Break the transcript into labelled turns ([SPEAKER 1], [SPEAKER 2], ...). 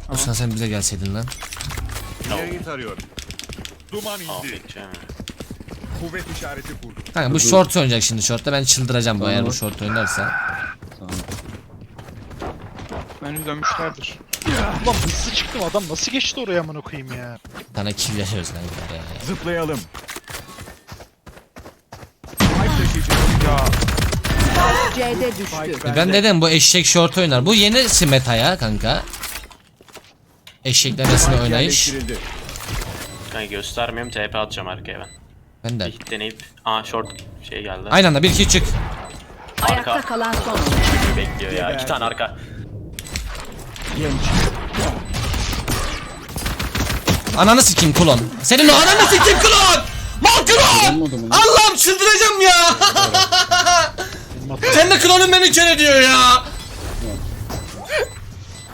[SPEAKER 1] Osman sen bize gelseydin lan.
[SPEAKER 2] İleriyi tarıyorum. Duman indi.
[SPEAKER 3] Affedeceğim.
[SPEAKER 2] Kuvvet işareti kur.
[SPEAKER 1] Kanka bu short oynayacak şimdi shortta. Ben çıldıracağım bu eğer bu
[SPEAKER 4] Tamam.
[SPEAKER 1] short oynarsa.
[SPEAKER 4] Tamam.
[SPEAKER 5] Bence dönmüşlerdir. Ulan hızlı çıktım, adam nasıl geçti oraya amına koyayım ya.
[SPEAKER 1] Sana kill yaşıyoruz lan ya.
[SPEAKER 2] Zıplayalım. Spike taşıyıcı.
[SPEAKER 5] Ya
[SPEAKER 6] C'de düştü.
[SPEAKER 1] Ben dedim bu eşek short oynar. Bu yeni meta ya kanka. Eşekler arasında oynayış.
[SPEAKER 2] Yerleştirildi.
[SPEAKER 3] Kanka göstermiyorum, TP atacağım arkaya ben.
[SPEAKER 1] Ben de.
[SPEAKER 3] Bir deneyip... Aa short şey geldi.
[SPEAKER 1] Aynı anda 1-2 çık.
[SPEAKER 6] Ayakta kalan son oyuncu.
[SPEAKER 3] Bekliyor ya. 2 tane arka.
[SPEAKER 1] Ananı sikeyim klon. Senin o ananı sikeyim klon. Mal klon.
[SPEAKER 4] Olmadı mı?
[SPEAKER 1] Allah'ım çıldıracağım ya. Sen de klonun beni kör ediyor ya.